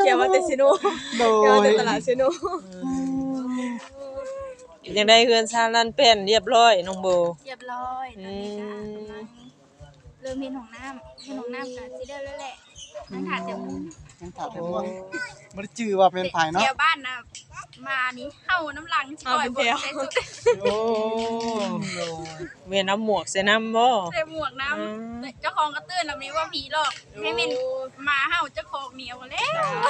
เกี่ยวมาแต่ซิโนโดเกี่ยวมาแต่ตลาดซิโนยังได้เฮือนชาลันเป็นเรียบร้อยน้องโบเรียบร้อยตอนนี้ก็เริ่มเห็นของน้ำกับซีเดอร์แล้วแหละนั่งถาดเดี๋ยวยังถามแต่ว่าบ่ได้จื้อว่าเป็นไผเนาะเที่ยวบ้านนะมานี่เฮาน้ำลังชิบ่อยบ่ใส่สุดโอ้เวียนน้ำหมวกใส่น้ำบ่ใส่หมวกน้ำเจ้าของก็ตื่นแบบนี้ว่าผีหลอกให้มันมาเฮาเจ้าของเหนียวแล้ว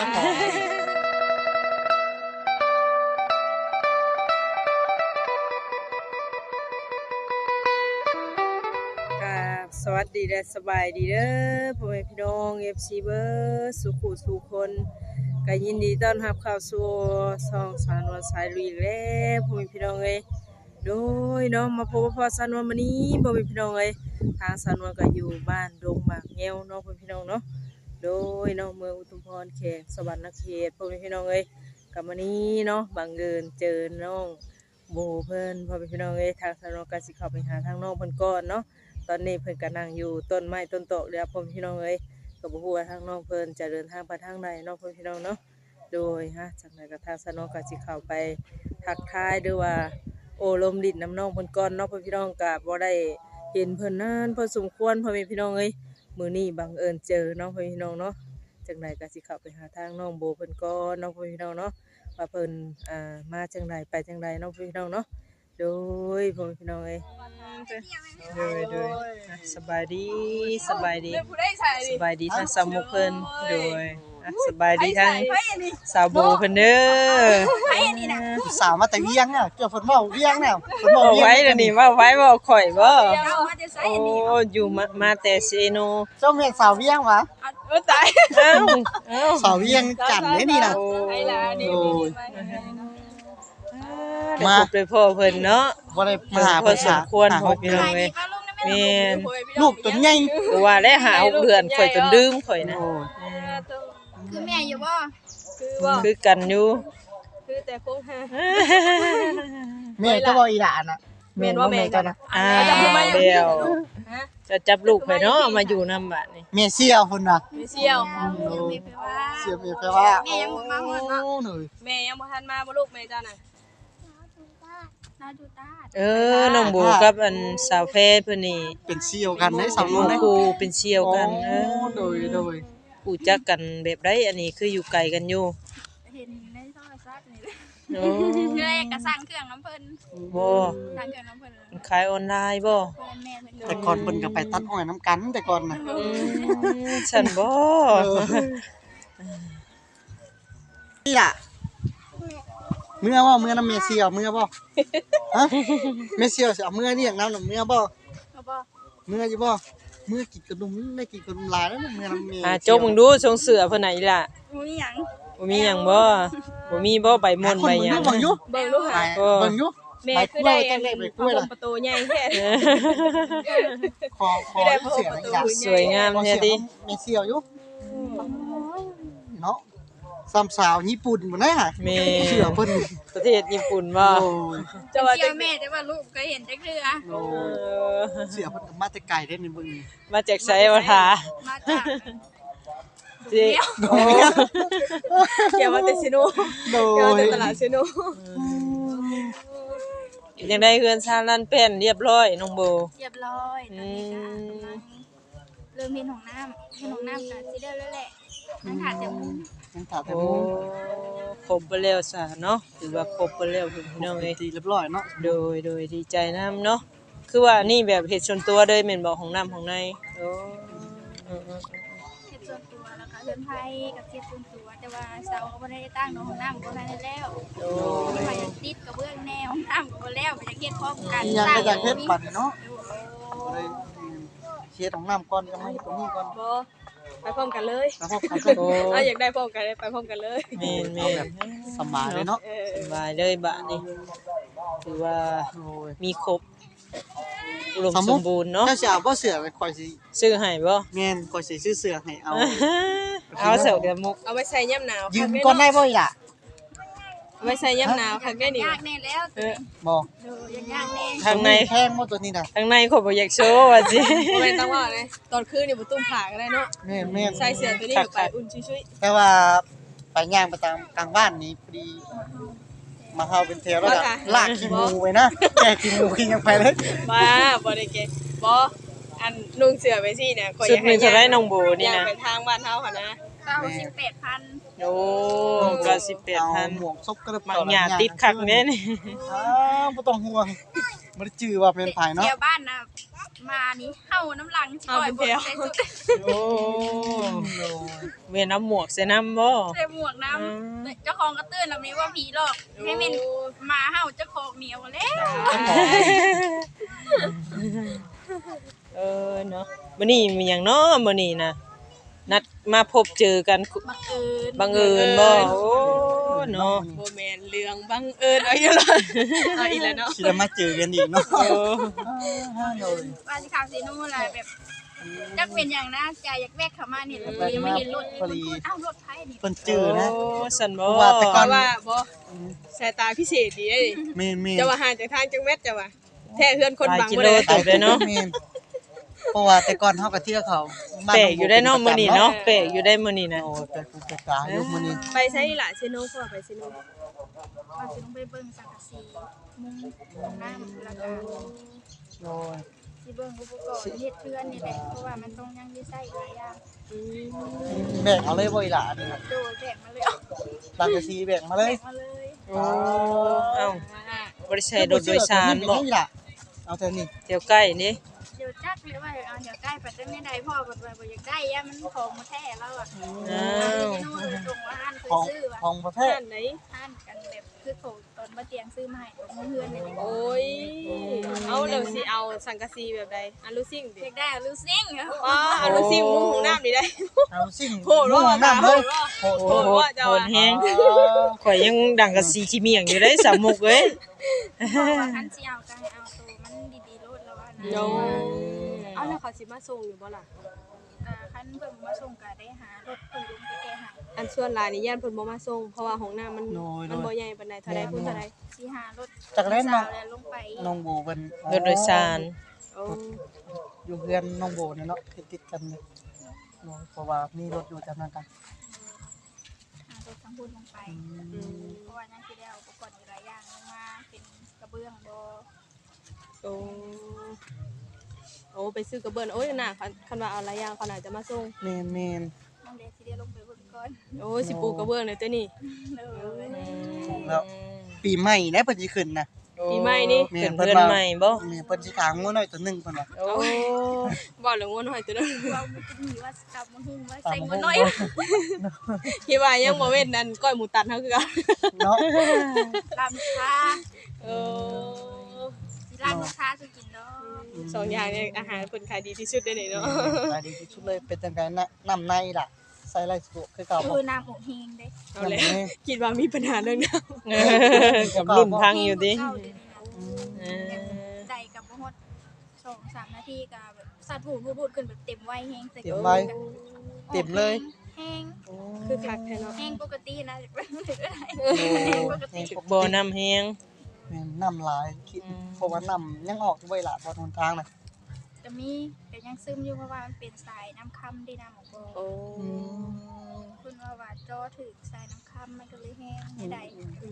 สวัสดีและสบายดีเด้อพ่อแม่พี่น้อง FC เบอร์สุขุสุคนก็ยินดีต้อนรับเข้าสู่ช่องสาวนวลสายลุยแล้วพ่อแม่พี่น้องเอ้ยโดยเนาะมาพบกับพ่อสาวนวลมื้อนี้พ่อแม่พี่น้องเอ้ยทางสาวนวลก็อยู่บ้านดงหมากแง้วเนาะพ่อแม่พี่น้องเนาะโดยเนาะเมืองอุทุมพรเขตสวรรณเขตพ่อแม่พี่น้องเอ้ยกับมื้อนี้เนาะบังเอิญเจอน้องโบเพิ่นพ่อแม่พี่น้องเอ้ยทางสาวนวลก็สิเข้าไปหาทางน้องเพิ่นก่อนเนาะตอนนี้เพิ่นก็นั่งอยู่ต้นไม้ต้นโตะแล้วพ่อพี่น้องเอ้ยก็บ่ฮู้ว่าทางน้องเพิ่นจะเดินทางไปทางใดเนาะพ่อพี่น้องเนาะโดยจากนั้นก็ทางสนองก็สิเข้าไปทักทายหรือว่าโอ้ลมลิ้นน้ำน้องเพิ่นก่อนเนาะพ่อพี่น้องก็บ่ได้เห็นเพิ่นนานพอสมควรพ่อพี่น้องเอ้ยมื้อนี้บังเอิญเจอเนาะพ่อพี่น้องเนาะจังไดก็สิเข้าไปหาทางน้องโบเพิ่นก่อนเนาะพ่อพี่น้องเนาะว่าเพิ่นมาจังไดไปจังไดเนาะพ่อพี่น้องเนาะโดยพ่อพี่น้องเอ้ยโดยสบายดีทางสาวมุกเพิ่นโดยสบายดีทางสาวโบเพิ่นเด้อสาวมาแต่เวียงอ่ะเจ้าเพิ่นเว้าเวียงน่ะเพิ่นเว้าเว้าไว้เดี๋ยวนี้ว่าไว้บ่ข่อยบ่โอ้อยู่มาแต่เซโนเจ้าแม่นสาวเวียงหวะตายสาวเวียงจันทน์เด้นี่น่ะไอ้ล่ะนี่มาเลยพ่อเพิ่นเนาะบ่ได้มาหาเพิ่นสมควรพ่อพี่น้องเอ้ยแม่นลูกตัวใหญ่ก็ว่าได้หา6เดือนข่อยจนดื่มข่อยนะคือแม่อยู่บ่คือกันอยู่คือแต่คงหาแม่ก็บ่อีหลานน่ะแม่นว่าแม่กันนะเดียวจะจับลูกไปเนาะมาอยู่นำบัดนี้แม่เสี่ยวพุ่นน่ะแม่เสี่ยวเสี่ยวแม่แปลว่าแม่ยังบ่มาฮอดเนาะแม่ยังบ่ทันมาบ่ลูกแม่จ้าน่ะน้องโบกับอันสาวแพทย์เพิ่นนี่เป็นเสี่ยวกันได้สาวน้องครูเป็นเสี่ยวกันโดยรู้จักกันแบบใดอันนี้คืออยู่ไกลกันอยู่เห็นในโทรศัพท์นี่แหละเลยก็สั่งเครื่องน้ำเพิ่นบ่สั่งเครื่องน้ำเพิ่นขายออนไลน์บ่แต่ก่อนเพิ่นก็ไปตัดอ้อยน้ำกันแต่ก่อนน่ะฉันบ่นี่ล่ะเมื่อบ่เมื่อนำเมเซียวเมื่อบ่ฮะเมเซียวสิเอาเมื่อเรียกนำเมื่อบ่เมื่ออยู่บ่เมื่อกินขนมได้กินขนมหลายแล้วเมื่อนำเมจกมึงดูทรงเสือเพิ่นน่ะอีล่ะบ่มีหยังบ่มีบ่ใบม่อนใบหยังเบิ่งอยู่หาเบิ่งอยู่แม่คือได้ประตูใหญ่แท้ขอเสืออยากสวยงามแท้ติเมเซียวอยู่เนาะสามสาวญี่ปุ่นบ่ได้ห่ะเสือเพิ่นประเทศญี่ปุ่นบ่จะว่าแม่แต่ว่าลูกเคยเห็นจักเทื่อเสือเพิ่นมาแต่ไกลเด้นี่เบิ่งมาจากไสบ่ทามาจากจิเกี่ยวมาแต่ซิโนเกี่ยวมาแต่ตลาดซิโนยังได้เฮือนชาลันเป็นเรียบร้อยน้องโบเรียบร้อยตอนนี้ก็เริ่มเห็นของน้ำกับซีเดอร์แล้วแหละนั่งถาดเดี๋ยวโอ้ครบไปแล้วซะเนาะถือว่าครบไปแล้วพี่น้องเอ้ยเรียบร้อยเนาะโดยดีใจนำเนาะคือว่านี่แบบเฮ็ดส่วนตัวเลยแม่นบ่ของน้ำของในโอ้เฮ็ดส่วนตัวแล้วก็เฮือนไผกับเฮ็ดส่วนตัวแต่ว่าเสาก็บ่ได้ตั้งเนาะของน้ำก็ได้แล้วโอ้ไปติดกับเบื้องแนวของน้ำก็บ่แล้วไปเฮ็ดพร้อมกันสร้างอยากเฮ็ดบัดเนาะเฮ็ดของน้ำก่อนก็มาเฮ็ดตรงนี้ก่อนบ่ไปพร้อมกันเลยอยากได้พร้อมกันไปพร้อมกันเลยแม่นสบายเลยเนาะสบายเลยบะนี่ถือว่ามีครบอุดมสมบูรณ์เนาะถ้าสิเอาบ่เสือไปข่อยสิซื้อให้บ่แม่นข่อยสิซื้อเสือให้เอาเสือกับมุกเอาไว้ใส่ยามหนาวยืมก่อนได้บ่อีล่ะไว้ใส่ยามหนาวคักได้นี่ยากแน่แล้วบ่ยากแน่ทางในแพงบ่ตัวนี้น่ะทางในข่อยบ่อยากโชว์ว่าสิบ่แม่นต้องว่าเลยตอนคืนนี่บ่ตุ้มผ้าก็ได้เนาะแม่นใส่เสื้อตัวนี้ไปอุ่นชุยๆแต่ว่าไปย่างไปตามกลางบ้านนี้พอดีมาเฮาเป็นแถวแล้วก็ลากขี้หมูไว้นะแกขี้หมูขี้ยังไปเลยบ้าบ่ได้เกบ่อันนุ่งเสื้อไปสิเนี่ยข่อยสุอดยากหนึให้งเท่าไรน้องโบนี่อยากนะไปทางบ้านเฮาหั่นนะ 18,000 โอ้ก็เอา 18,000 หมวกซบกระมักหญ้าติดคักแน่นี่อ้าวบ่ต้องห่วงบ่ได้จื้อว่าเป็นไผเนาะเที่ยวบ้านน่ะมานี่เฮาน้ำหลังสิปล่อยบ่ใส่สุดโอ้เวียนเอาหมวกใส่น้ำบ่ใส่หมวกน้ำเจ้าของก็ตื่นแล้วนี้ว่าผีหลอกให้แม่นมาเฮาเจ้าของเหนียวแล้วเนาะมื้อนี้มีหยังเนาะมื้อนี้นะนัดมาพบเจอกันบังเอิญบังเอิญบ่โอ้เนาะบ่แม่นเรื่องบังเอิญเอาอยู่ล่ะเอาอีกแล้วเนาะสิได้มาเจอกันอีกเนาะโอ้ว่าสิขับสินู่นแหละแบบจักเป็นอย่างนะใจอยากแวกเข้ามานี่เลยยังไม่เห็นรถนี่มันพูดอ้าวรถไผนี่เพิ่นจื้อนะโอ้สั่นบ่ว่าแต่ก่เพอนราะว่าบ่สายตาพิเศษดีเด้แม่นๆจะว่าห่างจากทางจังเม็ดจะว่าแท้เฮือนคนบังกิบ่โลได้ตกเลยเนาะแม่นเพราะว่าแต่ก่อนเฮาก็เที่ยวเขาบ้านแปลกอยู่ได้เนาะมื้อนี้เนาะแปลกอยู่ได้มื้อนี้นะโอ้แต่กูจะกาอยู่มื้อนี้ไปใช้ล่ะซิโนพ่อไปซิโนว่าสิลงไปเบิ่งสังกะสีมุงของน้ำแล้วก็โอ้ยสิเบิ่งอุปกรณ์เฮ็ดเทือนนี่แหละเพราะว่ามันต้องยังได้ใช้หลายอย่างแบ่งเอาเลยบ่อีหล่ะนี่นะโดยแบ่งมาเลยตามกะซีแบ่งมาเลยแบ่งมาเลยโอ้เอ้าบ่ได้ใช้รถโดยสารบ่อีหล่ะเอาแต่นี่เดี๋ยวใกล้นี่เดี๋ยวจักเลยว่าเอาเดี๋ยวใกล้ปัดได้ไม่ได้พ่อปัดบ่อยากได้ย่ามันของมาแท้แล้วอ่ะอ้าเอาวไปนู่นตรงว่าห้านเคยของซื้อว่ะของประเทศท่านไหนห้านกันแบบคือเขาตอนมาเตียงซื้อมาให้ของเพื่อนนี่แหละโอ้ยเอาแล้วสิเอาสังกะสีแบบใดอันลูซิ่งดิอยากได้ลูซิ่งอะว้าอันลูซิ่งมุ้งของน้ำนี่ได้เอาสิ่งโหดว่าน้ำเลยโหดโอ้โหโหดแฮงข่อยยังดังกับสีขี้เมียงอยู่ได้สามมุกเอ้ยบอกว่าคันสิเอาก็ให้เอาตัวมันดีๆโลดแล้วว่านะโยเอาแล้วเขาสิมาส่งอยู่บ่ล่ะคันเพิ่นมาส่งก็ได้หารถเพิ่นลงไปแก้ให้อันส่วนหลายนี่ย่านเพิ่นบ่มาส่งเพราะว่าห้องน้ำมันบ่ใหญ่ปานใดเท่าใดพุ่นเท่าใดสิหารถจากนั้นน้องสาวแล้วลงไปน้องโบเป็นรถโดยสารโอ้อยู่เพื่อนน้องโบเนี่ยเนาะติดกันเลยเนาะเพราะว่ามีรถอยู่จำนวนกันหารถทั้งพุ่นลงไปเพราะว่ายังสิได้เอาอุปกรณ์อีกหลายอย่างลงมาเป็นกระเบื้องบ่โอ้โอ้ไปซื้อกระเบื้องโอ้ยน่ะคันว่าเอาหลายอย่างเขาน่าจะมาส่งเมนเมนน้องเดสิได้ลงไปเบิ่งก่อนโอ้ยสิปูกระเบื้องเลยตัวนี้เลยแล้วปีใหม่นะเพิ่นสิขึ้นนะปีใหม่นี่เพิ่นเพื่อนใหม่บ่แม่เพิ่นสิขางงัวน้อยตัวหนึงเพิ่นว่าโอ้บ่เหลืองวนหอยตัวนั้นว่ามันจะมีว่ากลับมาหุ่งว่าใส่เงินน้อยคิดว่ายังบ่เว้นนั่นก้อยหมูตัดเฮาคือกันเนาะลำค้าเออสิลำค้าสุกินเนาะสองอย่างเนี่ยอาหารเพิ่นขายดีที่สุดได้นี่เนาะขายดีที่สุดเลยเป็นจังไดนะน้ำในล่ะใส่ไรสะดวกคือเก่าบ่คือน้ำอกเฮงเด้เอาแล้วคิดว่ามีปัญหาเรื่องน้ำกับรุ่นพังอยู่ดิเข้าเดี๋ยวนี้นะได้กับบ่ฮอด2-3 นาทีก็แบบสัตว์บูดขึ้นแบบเต็มไว้แฮงใส่เต็มไว้เต็มเลยแฮงคือคักแท้เนาะแฮงปกตินะก็ได้โอ้ปกติบ่น้ำแฮงแม่นน้ำหลายคิดเพราะว่าน้ำยังออกด้วยล่ะบนหนทางน่ะจะมีแต่ยังซึมอยู่เพราะว่ามันเป็นสายน้ำค่ำได้น้ำของบ่โอ้คุณว่าจอถึงสายน้ำค่ำมันก็เลยแห้งไม่ได้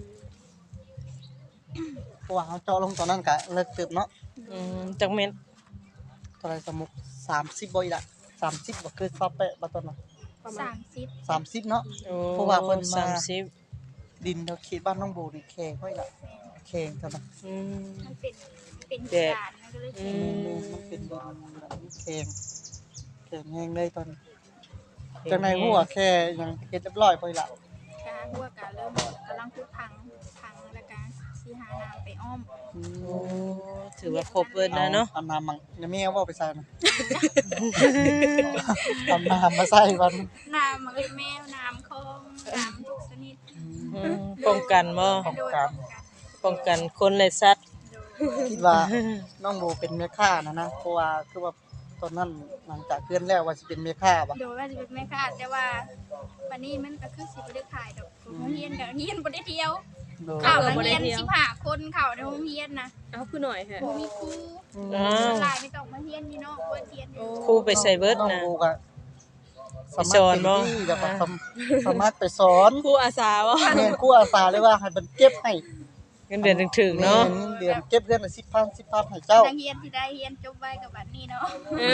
เพราะว่าเขาเจาะลงตอนนั้นก็เลิกตึบเนาะจักเม็ดเท่าไหร่สมุก30บ่อีล่ะ30บ่คือซับแปะบ่ตอนน่ะประมาณ 30 30เนาะโอ้เพราะว่าเพิ่นมา 30 ดินเราเขตบ้านน้องโบนี่แข็งไว้ล่ะแข็งเท่านั้นมันเป็นหินดานมันก็เลยแม่แข็งนมันเป็นดินแบบนี้แข็งแข็งแห้งเลยตอนนี้จังในหัวแค่ยังเฮ็ดเรียบร้อยบ่อีล่ะกาหัวกาเริ่มกำลังพูดพังแล้วก็สีหาน้ำไปอ้อมโอ้ถือว่าครบเบิดแล้วเนาะเอาน้ำมังเดี๋ยวแม่ว่าไปใส่นะเอาน้ำมาใส่ก่อนน้ำมันเลยแมวน้ำคลองน้ำทุกชนิดป้องกันบ่โดยป้องกันป้องกันคนและสัตว์คิดว่าน้องโบเป็นแม่ค้านะเพราะว่าคือว่าตอนนั้นหลังจากเพื่อนแล้วว่าสิเป็นแม่ค้าบ่โดยว่าจะเป็นแม่ค้าแต่ว่าวันนี้มันก็คือสิบ่ได้ขายดอกโรงเรียนกับเรียนบ่ได้เที่ยวโดยข่าวนักเรียน15 คนข่าวในโรงเรียนนะเอาคือหน่อยค่ะบ่มีครูอ้าวหลายไม่ต้องมาเรียนนี่เนาะบ่เรียนอยู่ครูไปใส่เบิดน้องนะโบก็สมัครเป็นที่แล้วก็สมัครไปสอนครูอาสาบ่แม่นครูอาสาเลยว่าให้มันเก็บให้เงินเดือนถึงๆเนาะแม่เดือนเก็บเดือนละ10,000ให้เจ้านักเรียนที่ได้เรียนจบไว้กับบัดนี้เนาะ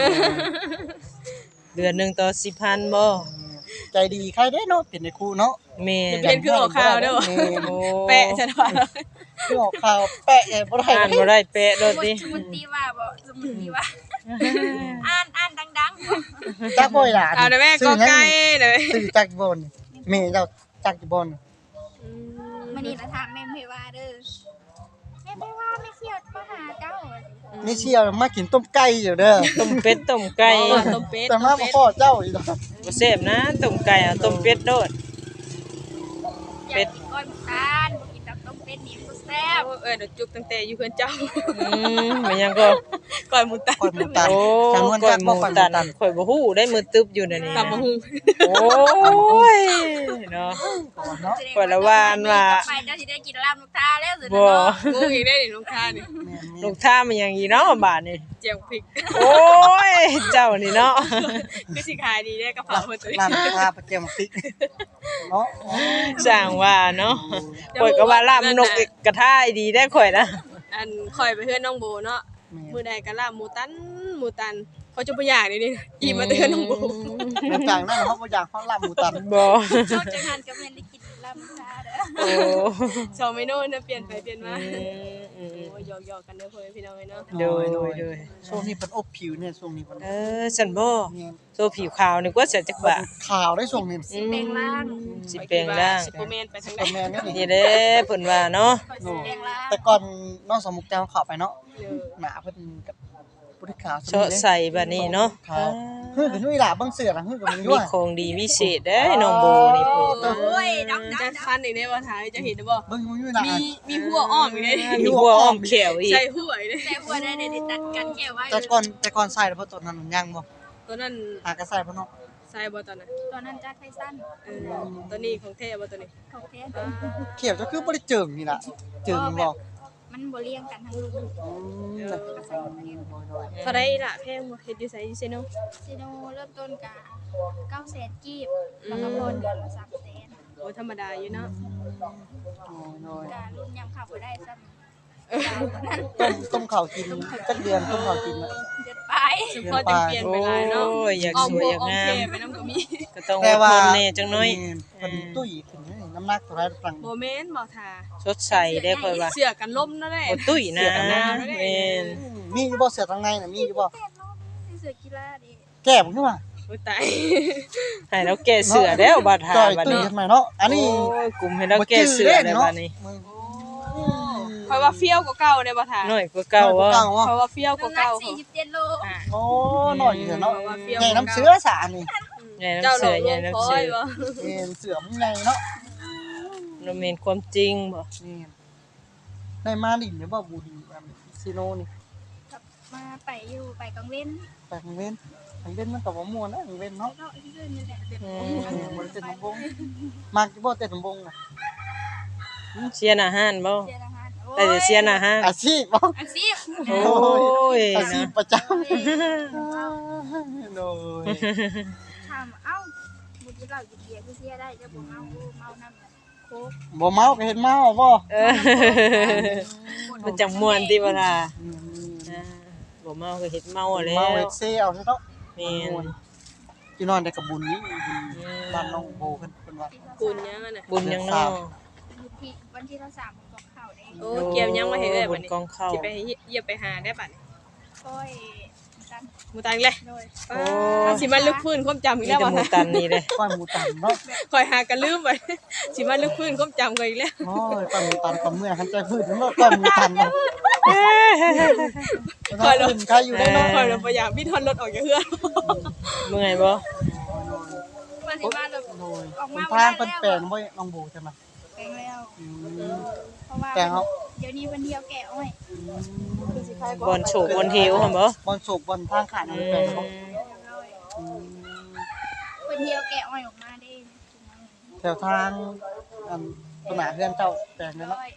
เดือนหนึงต่อ10,000บ่ใจดีใครได้เนาะเป็นในครูเนาะแม่เรียนคือออกข่าวเด้อบ่แม่นโอ้แปะซะว่าคือออกข่าวแปะบ่ได้อ่านบ่ได้แปะโดดดิสมุดตีว่าบ่สมุดตีว่าอ่านดังๆบ่จักบ่อยหลานเอาเด้อแม่ก็ไกลเด้อซื้อจักรบนแม่เจ้าจักรบนมื้อนี้ละถามแม่เพว่าเด้อแม่เพว่าไม่เที่ยวมาหาเจ้านี่เชียวมากินต้มไก่อยู่เด้อต้มเป็ดต้มไก่ต้มเป็ดแต่มาบ่พอเจ้าอีกดอกบ่แซ่บนะต้มไก่เอาต้มเป็ดโดดอยากกินก้อนตาลบ่กินตับต้มเป็ดนี่มันแซ่บเดี๋ยวจุกตั้งแต่อยู่เพื่อนเจ้ามันยังก็ก่อนหมุนตันก้อยหมูตันโอ้จำนวนก้อจัยกรหบ่มูก้อยหมูตันตันข่อยบ่ฮู้ได้มือตึบอยู่นั่นนี่ตำบักหุ่งโอ้ยเนาะก่อนเนาะข่อยละว่าอันว่าไปเจ้าสิได้กินลาบลูกตาแล้วสิบ่เนาะงูอีกได้นี่ลูกค้านี่แม่นลูกท่ามันยังอีเนาะบาดนี่เจียวพริกโอ้ยเจ้านี่เนาะคือสิขายดีได้กระเพราเพิ่นตัวนี้ร้านค้าประเจียมพริกเนาะสร้างว่าเนาะข่อยก็ว่าลาบนกกระทะดีได้ข่อยนะอันคอยไปเพื่อนน้องโบเนาะมื้อใดก็ลาบหมูตันเขาจะบ่อยากนี่อิ่มมาเตือนน้องโบหลังจากนั้นเขาบ่อยากเขาลาบหมูตันบ่เจ้าจังหันก็แม่นได้กินลาบลูกตาเด้อโอ้สองเมนูนะเปลี่ยนไปเปลี่ยนมาอืมโอ้ยหยอกๆกันเด้อพ่อแม่พี่น้องเอ้ยเนาะโดยโดยช่วงนี้เพิ่นอบผิวเนี่ยช่วงนี้เพิ่นฉันบ่เนี่ยโซผิวขาวนึกว่าจะจักบะข่าวได้ช่วงนี้สิแปลงร่างสิแปลงร่างซุปเปอร์แมนไปทางใดตัวแม่นี่นี่เด้เพิ่นว่าเนาะคอยสิแปลงร่างแต่ก่อนน้องสมุกแจวเข้าไปเนาะหน้าเพิ่นกับผู้ที่ขาวเชาะใส่บัดนี้เนาะขาวเฮ้ยเป็นนุ่ยหล่าเบิ่งเสือนะเฮ้ยกับมันยั่มีวของดีวิเศษเด้น้องโบนี่พุ่นโอ้ยดำจะคันอีกได้บ่ถ่ายจะเห็นได้บ่เบิ่งยุ่ยหล่ามีหัวอ้อมอีกได้มีหัวอ้อมแขวอีกใส่หัวอีกได้แต่หัวได้ตัดกันแค่ไว้แต่ก่อนใส่แล้วบ่ตอนนั้นมันยังบ่ตัวนั้นหากระใส่บ่เนาะใส่บ่ตอนนั้นตอนนั้นจัดไฟสั้นตัวนี้ของแท้บ่ตัวนี้เขาแท้เขียวจะคือบ่ได้เจิงนี่ล่ะเจิงบ่มันบ่เลี้ยงกันทั้งลูก ก็ใส่มาเลี้ยงเท่าไรล่ะแพงบ่เฮ็ดอยู่ไสอยู่ไสเนาะซีโนเริ่มต้นกะ900,000กีบแล้วก็พอเดือนละ300,000 โอ้ธรรมดาอยู่เนาะกะรุ่นยำขับบ่ได้ซ้ำต้มข้าวกินจักเดือนต้มข้าวกินน่ะเดือนไปสุพอจะเปลี่ยนไปหลายเนาะโอ้ยอยากสวยอยากงามไปนำก็มีก็ต้องอแต่ดว่าทนแน่จังน้อยเพิ่นตุ้ยขึ้นนี่น้ำหนักเท่าไหร่ฟังบ่แม่นบ่ท่าสดใสได้ค่อยว่าเสื้อกันลมนั่นแหละโอ้ตุ้ยนะแม่นมีอยู่บ่เสือทางในน่ะมีอยู่บ่เสื้อกีฬาดิแก้บ่ขึ้นมาโอ้ตายให้เราแก้เสือแล้วบาดหาจอยบัดตุ้ยนี้ขึ้นมาเนาะอันนี้โอ้ยกลุ่มให้เราแก้เสือได้บัดนี้เพราะว่าเฟี้ยวกว่าเก่าเด้บ่ท่าน้อยกว่าเก่าว่าเพราะว่าเฟี้ยวกว่าน้ำหนักเก่า 47โลโอ้หน่อยเนาะว่าเฟี้ยวใหญ่น้ำเสือสานี่ใหญ่เจ้าน้ำหลเสืออก ใหญ่ลงน้ำคอเสืยอบ่เสือมันใหญ่เนาะเราเมนความจริงบ่นี่ได้มาดินเดี๋ยวบ่บูดีซีโนนี่มาไปอยู่ไปกังเว้นไปทางเว้นทางเว้นมันก็บ่ม่วนนะทางเว้นเนาะเนาะที่อื่นนี่แหละเด็ดบ่ได้เต้นลำวงมักอยู่บ่เต้นลำวงน่ะเชียร์อาหารบ่เชียร์อาหารแต่จะเชียร์อาหารอาชีพบ่อาชีพโอ้ยอาชีพนะประจำโดยถามเอ้าบุญที่เราหยิบเบียร์ที่เชียร์ได้จะบ่เมาน้ำโค้กบ่เมาก็เห็นเมาบ่เออมันจังม่วนติบ่ล่ะบ่เมาก็เฮ็ดเมาแล้เมาว เฮ็ดเซเอาเนาะแม่นพี่นอนได้กับบุญนี้บ้านน้องโบเพิ่นว่ากุนยังอ่ะน่ะบุญยังเนาะอยู่ที่วันที่เรา3บอกข่าวได้โอ้เกี่ยวยังมาให้เอ้ยบุบัดญนี้กองข้าวสิไปเหยียบไปหาได้บัดนี้ก้อยกันหมูตันเลยโดยสิมาลึกพื้นความจำอีมีกแล้วแต่บ่หมูตันนี่เลยก้อยหมูตันเนาะคอยหากันลืมไปสิมาลึกพื้นความจำกันอีกแล้วโอ้ยก้อยหมูตันกับเมื่อคันใจพืชเนาะก้อยหมูตันเนาะก้อยลมใครอยู่ได้เนาะคอยเราพยายามพี่ทอนรถออกจากเฮือนเมื่อยบ่มาสิมาแบบโดยออกมาทางเพิ่นแปลงบ่น้องโบใช่มั้ยแปลงแล้วเพราะว่าแปลงเฮาเดี๋ยวนี้วันเดียวแกะอ้อยบอลโฉบบอลเฮวหั่นบ่บอลโศกบอลทางขาดแปลงเนาะวันเดียวแกะอ้อยออกมาได้แถวทางอันต้นหนาเพื่อนเจ้าแปลงนั่นเนาะ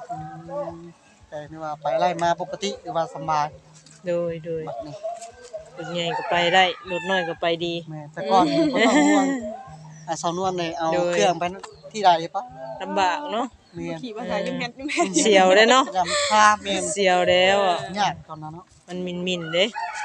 แปลงนี่ว่าไปไล่มาปกติหรือว่าสบายโดยบัดนี้รถใหญ่ก็ไปได้รถน้อยก็ไปดีแม่แต่ก่อนบ่ต้องห่วงสาวนวลนี่เอาโดยเครื่องไปที่ใดปะลำบากเนาะแม่นขี่ภาษายุ่งแม่ยุ่งแม่เสียวเด้เนาะจำภาพแม่นเสียวแล้วอ่ะยากตอนนั้นเนาะมันมินๆเด้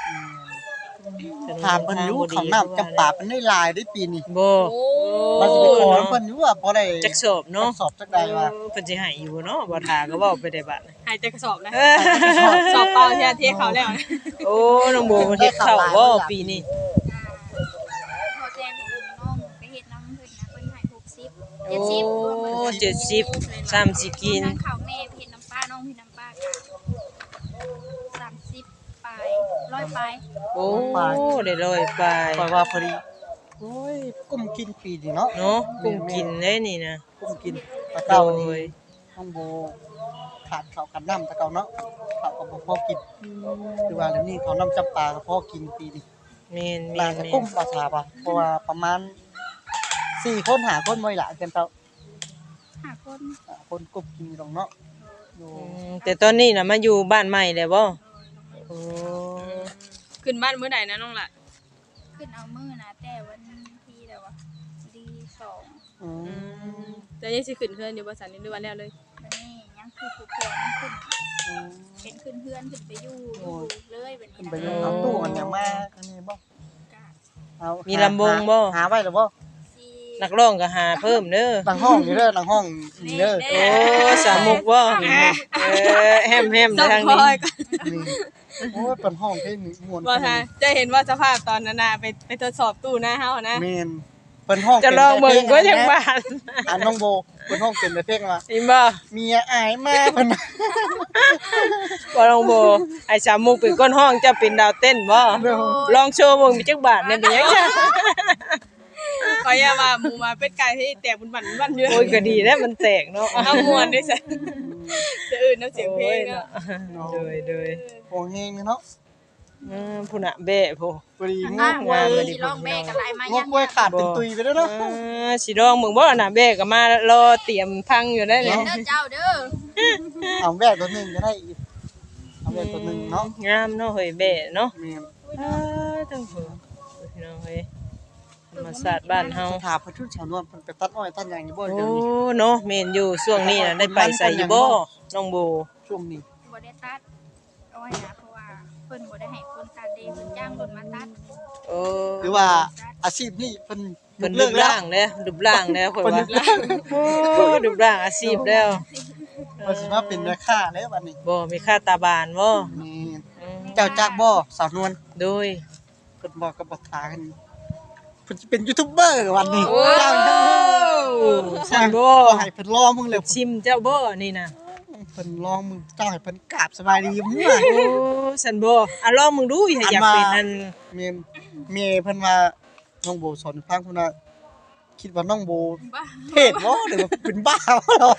ถามเพิ่นอยู่ของน้ำจำปาเป็นได้หลายได้ปีนี้บ่โอ้มันสิไปขอเพิ่นอยู่ว่าบ่ได้จักสอบเนาะจักสอบจักใดว่าเพิ่นสิให้อยู่เนาะบ่ทาก็เว้าไปได้บัดหายใจกระสอบนะเออสอบเปล่าเที่ยเขาแล้วโอ้น้องโบเพิ่นเฮ็ดข้าวบ่ปีนี้พอแจ้งของน้องไปเฮ็ดน้ำเพิ่นนะเพิ่นให้60 โอ้ 70รวมหมด 70 30กินทางข้าวแม่ไปเฮ็ดน้ำปลาน้องเฮ็ดน้ำปลาค่ะ30ปลาย100ปลายโอ้ได้ร้อยไปปล่อยว่าพอดีโอ้ยกุ้มกินปีนี้เนาะเนาะกุ้งกินได้นี่นะกุ้มกินตะเก้าโดนี่ยน้องโบขาดข้าวกันน้ำตะเก้าเนาะข้าวก็บ่พอกินคือว่าเดี๋ยวนี้เขาวน้ำจำปาก็พอกินปีนี้แม่นน่าจะกุ้มภาษาป่ะเพราะว่าประมาณ4คน5คนบ่อยละกันเต้า 5 คนคนกบกินดอกเนาะอยู่แต่ตอนนี้น่ะมาอยู่บ้านใหม่แล้วบ่โอ้ขึ้นบ้านมื้อใดนะน้องล่ะขึ้นเอามือนะแต่วันที่แล้ววะดี2 อืมจะยังสิขึ้นเพื่อนอยู่บ่สันนี่หรือว่าแล้วเลยวันนี้ยังคือผู้คนขึ้นอืมเป็นขึ้นเพื่อนขึ้นไปอยู่เลยแบบขึ้นนี้ไปนะอยู่เอาตู้มันยังมาอันนี้บ่กะเอามีมีลำวงบ่หาไว้แล้วบ่ซีนักร้องก็หาเพิ่มเด้อหลังห้องนี่เด้อหลังห้องนี่เด้อโอ้สามมุกบ่แฮมๆสัทางพนี้อยก็นี่โอ้ยเป็นห้องเพลงนี่ม่วนบ่ทาจะเห็นว่าสภาพตอนนั้นน่ะไปทดสอบตู้หน้าเฮานะแม่นเป็นห้องจะลองเบิ่งก็ยังบ้านอันน้องโบเป็นห้องเป็นแต่เพลงว่าอีบ่เมียอายมาเพิ่นบ่ลองบ่ไอ้สามมุกเป็นก้นห้องจะเป็นดาวเต้นบ่ลองโชว์เบิ่งมีจักบาทเนี่ยเป็นหยังจ้ะขอยอย่าว่าหมู่มาเป็ดไก่ที่แตกบุญบั่นเยอะโอ้ยก็ดีแล้วมันแตกเนาะเอาม่วนด้วยซะจะอื่นน้ำเสียงเพลงเนาะโดยโอ้เฮงเนาะผู้น่ะแบะผู้พอดีงอ่ะกว่าไว้สิลองแบกกันหลายมาง ยักไว้ขาดเป็นตุยไปแล้วเนาะสิลองเบิ่งบ่น่ะแบะก็มารอเตรียมพังอยู่ได้เด้เนี่ยอเจ้าเด้อเอาแวกตัวหนึงก็ได้อีกเอาแวกตัวหนึงเนาะงามเนาะเฮ้ยแบะเนาะแม่นทั้งผู้พี่น้องเฮ้ยธรรมศาสตร์บ้านเฮาถามเพิ่นชุดชาวนวลเพิ่นไปตัดอ้อยตัดหยังอยู่บ่โอ้เดี๋ยวนี้เนาะแม่นอยู่ช่วงนี้น่ะได้ไปใส่อยู่บ่น้องโบช่วงนี้บ่ได้ตัดเอาไว้นะเพราะว่าเพิ่นบ่ได้ให้คนตัดเด้เพิ่นจ้างคนมาตัดโอ้หรือว่าอาชีพนี้เพิ่นเพิ่นเลิรูกปแล้วร่างแล้วรูปร่างแล้วข่อยเพิ่นว่าโอ้รูปร่างอาชีพแล้วเพิ่นสิมาเป็นแม่ค้าแล้วบัดนี้บ่มีค่าตาบานบ่นี่เจ้าจักบ่สาวนวลโดยเพิ่นบอกกับบักตากันเพิ่นสิเป็นยูทูบเบอร์วันนี้โอ้เจ้าจังสันบ่ก็ให้เพิ่นรอมึงเลยชิมเจ้าบ่นี่น่ะเพิ่นรอมึงเจ้าให้เพิ่นกราบสบายดีมึงอะโอ้สันบ่อ่ะลองมึงดูอย่าอยากเป็นนั่นเมียเพิ่นว่าน้องโบสอนฟังเพิ่นว่าคิดว่าน้องโบบ้าเทศบ่หรือว่าเป็นบ้าบ่เหรอ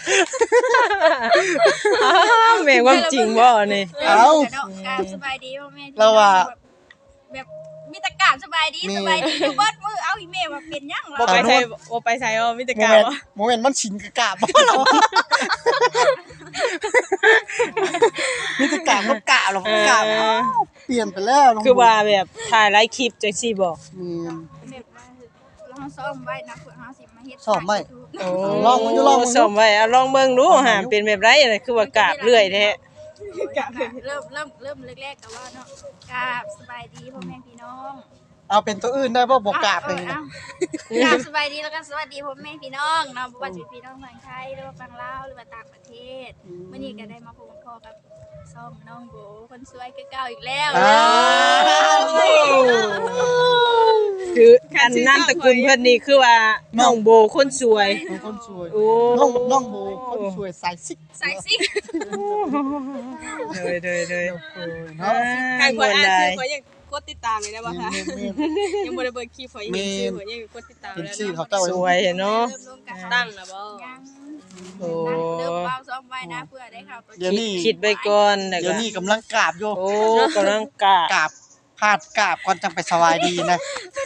แม่งความจริงบ่นี่เอ้าการสบายดีพ่อแม่เราว่าแบบมีแต่การสบายดีสบายดีอยู่เบิดมื้อเอาอีเมลว่าเป็นหยังบ่ล่ะไปใส่บ่ไปใส่อ๋อมีแต่กาวโมเมนต์มันชินกับกราบบ่เหรอมีแต่กราบมันกราบหรอกกราบเปลี่ยนไปแล้วน้องโบคือว่าแบบถ่ายหลายคลิปจังซี่บ่มีแบบว่าเราซ้อมไว้นะเพื่อเฮาสิมาเฮ็ดซ้อมไว้โอ้ลองมึงดูลองมึงดูส่งไว้อ่ะลองเบิ่งดูหาเป็นแบบไรน่ะคือว่ากราบเรื่อยแท้เริ่มแรกๆก็ว่าเนาะกราบสบายดีพ่อแม่พี่น้องเอาเป็นตัวอื่นได้บ่บ่กราบเลยกราบสบายดีแล้วก็สวัสดีพ่อแม่พี่น้องเนาะบ่ว่าสิพี่น้องทางไทยหรือว่าฝั่งลาวหรือว่าต่างประเทศมื้อนี้ก็ได้มาพบกับพ่อกับซ่องน้องโบคนสวยคือเก่าอีกแล้วอ้าวคืออันนั้นตระกูลเพิ่นนี่คือว่าน้องโบคนสวยน้องคนสวยโอ้น้องโบคนสวยสายซิกใส่ซิกเดยเเนาะนาะใครควรอ่านชื่อข่อยยังกดติดตามเลยได้บ่คะแม่นยังบ่ได้เบิ่งคลิปข่อยยังเห็นชื่อข่อยยังกดติดตามๆเป็นแล้วชื่อเขาเนาะเจ้าสวยเนาะเริ่มลงกันตั้งแล้วบ่ยังโอ้เริ่มเบาซ้อมไว้นะเพื่อได้เข้าตัวเดี๋ยวนี้คิดไว้ก่อนแล้วเดี๋ก็ยวนี้กำลังกราบอยู่โอ้กำลังกะกราบพาดกราบก่อนจังไปสบายดีนะ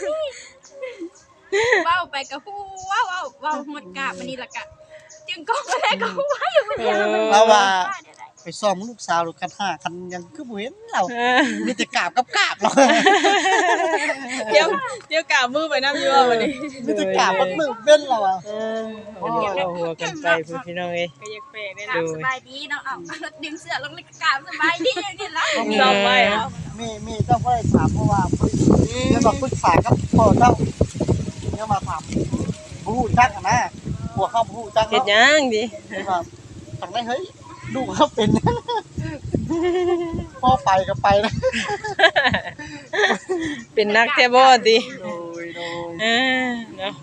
เว้าไปกับฮู้ว้าวหมดกราบมันนี่ละกะจึงก็บ่ได้ก็ฮู้ว่าอยู่คนเดียวเราว่าไปซ่อมลูกสาวกันหากันยังคือบ่เห็นเราเออมีแต่กราบกับกราบเราเดี๋ยวกล่าวมือไปน้ำอยู่ว่าวันนี้มีแต่กราบกับมือเป็นเราอ่ะเออเราหัวกันไปพี่น้องเอ้ยก็อยากแปลกได้กรานะบสบายดีเนาะเอาดึงเสื้อลงเลยกราบสบายดีอย่างนี้ละลองไปเหรอมีเจ้าก็ได้ถามเพราะว่าจะมาปรึกษากับพ่อเจ้าเนี่ยมาถามผู้จักนะหัวเข้าผู้จักเฮ็ดหเนาะยังดิครับทางได้เฮ้ยลูกเขาเป็น พ่อไปก็ไปนะเป็นนักแท้บ่ติโดยเออเนาะ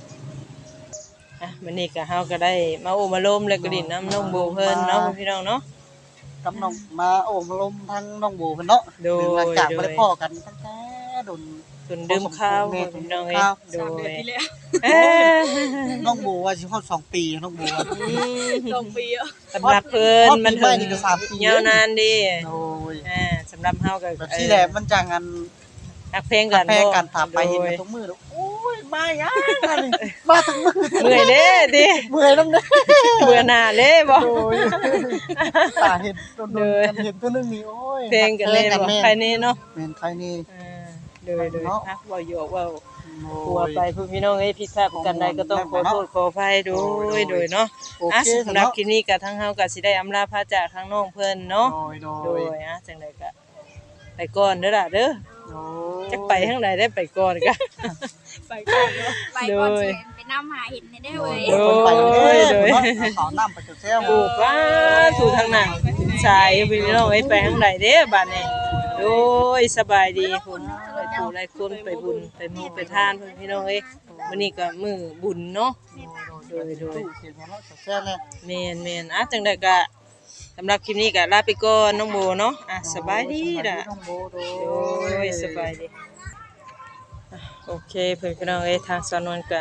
มื้อนี้ก็เฮาก็ได้มาโอมาลมแล้วก็ดินน้ำน้องโบเพิ่นเนาะพี่น้องเนาะกับน้องมาโอ้มาลมทางน้องโบเพิ่นเนาะโดยหลังจากบ่ได้พ่อกันตั้งแต่โดนจนดื่มข้าวพี่น้องเอ้ยโด 3 เดือนยที่แล้วเออน้องโบว่าสิเข้า2 ปีน้องโบว่า 2 ปีอ่ะสำหรับเพิ่นมันปีใหม่ถึงนี่ก็3 ปียาวนานดิโอ้ยสำหรับเฮาก็แบบที่แหละมันจังอันนักเพลงกันแพ้กันถามไปเห็นกันทุกมื้อแล้วโอ้ยมาหยังอันนี้มาถึงมื้อเมื่อยเด้ดิเมื่อยนำเด้อเบื่อหน้าเด้บ่โอ้ยตาเห็นโดนๆกันเห็นตัวนึงนี่โอ้ยเพลงกันเลยบ่ใครนี่เนาะแม่นใครนี่เลยฮะเว้าอยู่เว้าโอ้หัวย ไปพี่น้องเอ้ยผิดพลาดประกันใดก็ต้องขอโทษขออภัยโดยเนาะโออ่ะเคสำหรับคลิปนี้ก็ทั้งเฮาก็สิได้อำลาพระจากทางน้องเพิ่นเนาะโดโดยยจังไดก็ไปก่อนเด้อล่ะเด้อจักไปทางใดได้ไปก่อนก็ไปก่อนเนาะไปก่อนสิไปนำหาเห็นได้เว้ยโดยคนไปเลยขอน้ำไปเซลปลูกว่าสู่ทางนั้นชายพี่น้องเอ้ยไปทางใดเด้อบัดนี้โดยสบายดีคุณไปปู่หลายคนไปบุญไปมูไปทานเพิ่นพี่น้องเอ้ยมื้อนี้ก็มื้อบุญเนาะโดยเสียงเนาะเซลเนี่ยแม่นอ่ะจังไดก็สำหรับคลิปนี้ก็ลาไปก่อนน้องโบเนาะอ่ะสบายดีล่ะน้องโบโดโอ้ยสบายดีอ่ะโอเคเพื่อนพี่น้องเอ้ยทางสนวนก็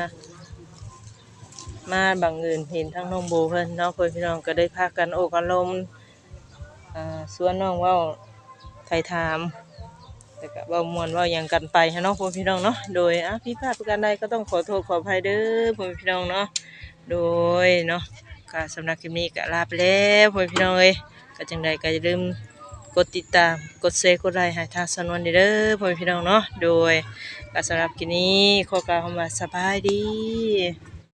มาบังเอิญเห็นทั้งน้องโบเพิ่นเนาะเพื่อนพี่น้องก็ได้พากันโอ้กันลมสวนน้องเว้าไทยถามแต่ก็เว้าม่วนเว้าหยังกันไปฮะเนาะเพื่อนพี่น้องเนาะโดยผิดพลาดประการใดก็ต้องขอโทษขออภัยเด้อเพื่อนพี่น้องเนาะโดยเนาะก็สำหรับคลิปนี้ก็ลาไปแล้วเพื่อนพี่น้องเอ้ยก็จังใดก็อย่าลืมกดติดตามกดแชร์กดไลค์ให้ทางสนวนเด้อเพื่อนพี่น้องเนาะโดยก็สำหรับคลิปนี้ขอกล่าวคำว่าสบายดี